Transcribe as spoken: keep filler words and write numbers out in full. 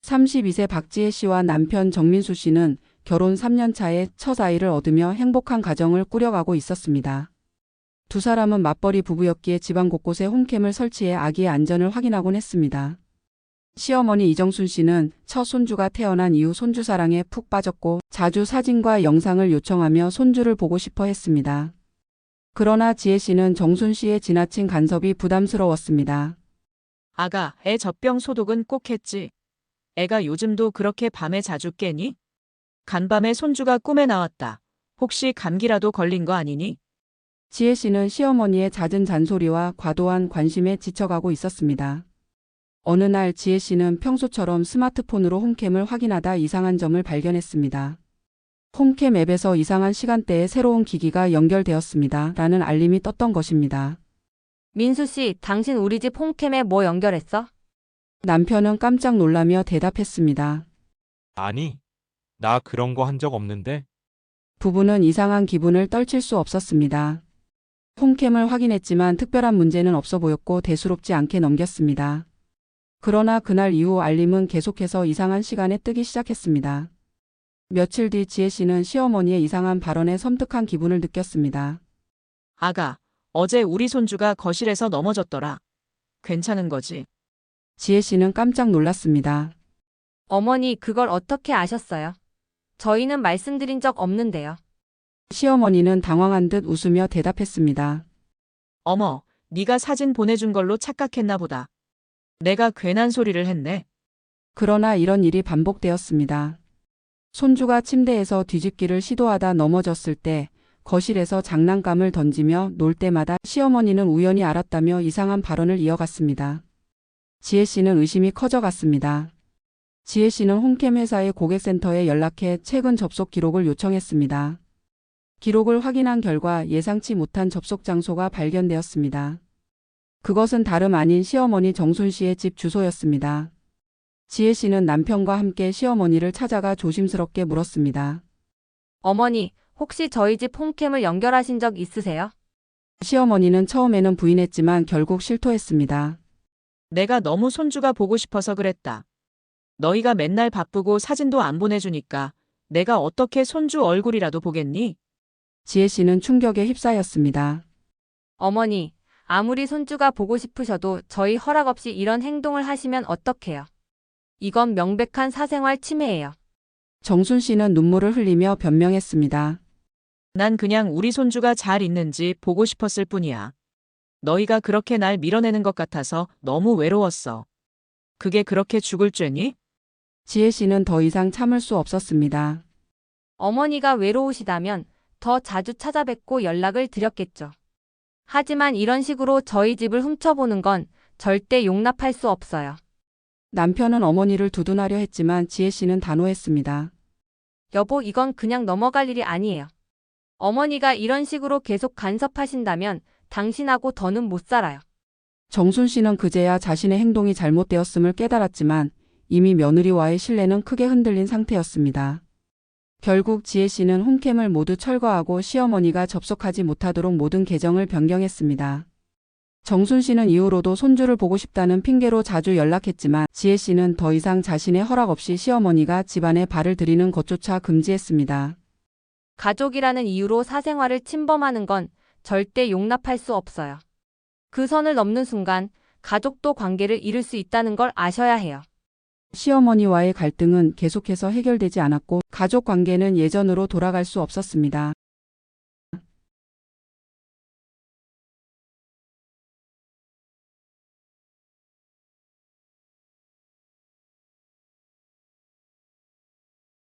삼십이 세 박지혜 씨와 남편 정민수 씨는 결혼 삼 년 차에 첫 아이를 얻으며 행복한 가정을 꾸려가고 있었습니다. 두 사람은 맞벌이 부부였기에 집안 곳곳에 홈캠을 설치해 아기의 안전을 확인하곤 했습니다. 시어머니 이정순 씨는 첫 손주가 태어난 이후 손주 사랑에 푹 빠졌고 자주 사진과 영상을 요청하며 손주를 보고 싶어 했습니다. 그러나 지혜 씨는 정순 씨의 지나친 간섭이 부담스러웠습니다. 아가, 애 젖병 소독은 꼭 했지. 애가 요즘도 그렇게 밤에 자주 깨니? 간밤에 손주가 꿈에 나왔다. 혹시 감기라도 걸린 거 아니니? 지혜 씨는 시어머니의 잦은 잔소리와 과도한 관심에 지쳐가고 있었습니다. 어느 날 지혜 씨는 평소처럼 스마트폰으로 홈캠을 확인하다 이상한 점을 발견했습니다. 홈캠 앱에서 이상한 시간대에 새로운 기기가 연결되었습니다. 라는 알림이 떴던 것입니다. 민수 씨, 당신 우리 집 홈캠에 뭐 연결했어? 남편은 깜짝 놀라며 대답했습니다. 아니, 나 그런 거 한 적 없는데? 부부는 이상한 기분을 떨칠 수 없었습니다. 홈캠을 확인했지만 특별한 문제는 없어 보였고 대수롭지 않게 넘겼습니다. 그러나 그날 이후 알림은 계속해서 이상한 시간에 뜨기 시작했습니다. 며칠 뒤 지혜 씨는 시어머니의 이상한 발언에 섬뜩한 기분을 느꼈습니다. 아가, 어제 우리 손주가 거실에서 넘어졌더라. 괜찮은 거지? 지혜 씨는 깜짝 놀랐습니다. 어머니, 그걸 어떻게 아셨어요? 저희는 말씀드린 적 없는데요. 시어머니는 당황한 듯 웃으며 대답했습니다. 어머, 네가 사진 보내준 걸로 착각했나 보다. 내가 괜한 소리를 했네. 그러나 이런 일이 반복되었습니다. 손주가 침대에서 뒤집기를 시도하다 넘어졌을 때 거실에서 장난감을 던지며 놀 때마다 시어머니는 우연히 알았다며 이상한 발언을 이어갔습니다. 지혜 씨는 의심이 커져갔습니다. 지혜 씨는 홈캠 회사의 고객센터에 연락해 최근 접속 기록을 요청했습니다. 기록을 확인한 결과 예상치 못한 접속 장소가 발견되었습니다. 그것은 다름 아닌 시어머니 정순 씨의 집 주소였습니다. 지혜 씨는 남편과 함께 시어머니를 찾아가 조심스럽게 물었습니다. 어머니, 혹시 저희 집 홈캠을 연결하신 적 있으세요? 시어머니는 처음에는 부인했지만 결국 실토했습니다. 내가 너무 손주가 보고 싶어서 그랬다. 너희가 맨날 바쁘고 사진도 안 보내주니까 내가 어떻게 손주 얼굴이라도 보겠니? 지혜 씨는 충격에 휩싸였습니다. 어머니, 아무리 손주가 보고 싶으셔도 저희 허락 없이 이런 행동을 하시면 어떡해요? 이건 명백한 사생활 침해예요. 정순 씨는 눈물을 흘리며 변명했습니다. 난 그냥 우리 손주가 잘 있는지 보고 싶었을 뿐이야. 너희가 그렇게 날 밀어내는 것 같아서 너무 외로웠어. 그게 그렇게 죽을 죄니? 지혜 씨는 더 이상 참을 수 없었습니다. 어머니가 외로우시다면 더 자주 찾아뵙고 연락을 드렸겠죠. 하지만 이런 식으로 저희 집을 훔쳐보는 건 절대 용납할 수 없어요. 남편은 어머니를 두둔하려 했지만 지혜 씨는 단호했습니다. 여보, 이건 그냥 넘어갈 일이 아니에요. 어머니가 이런 식으로 계속 간섭하신다면 당신하고 더는 못 살아요. 정순 씨는 그제야 자신의 행동이 잘못되었음을 깨달았지만 이미 며느리와의 신뢰는 크게 흔들린 상태였습니다. 결국 지혜 씨는 홈캠을 모두 철거하고 시어머니가 접속하지 못하도록 모든 계정을 변경했습니다. 정순 씨는 이후로도 손주를 보고 싶다는 핑계로 자주 연락했지만 지혜 씨는 더 이상 자신의 허락 없이 시어머니가 집안에 발을 들이는 것조차 금지했습니다. 가족이라는 이유로 사생활을 침범하는 건 절대 용납할 수 없어요. 그 선을 넘는 순간 가족도 관계를 잃을 수 있다는 걸 아셔야 해요. 시어머니와의 갈등은 계속해서 해결되지 않았고 가족 관계는 예전으로 돌아갈 수 없었습니다.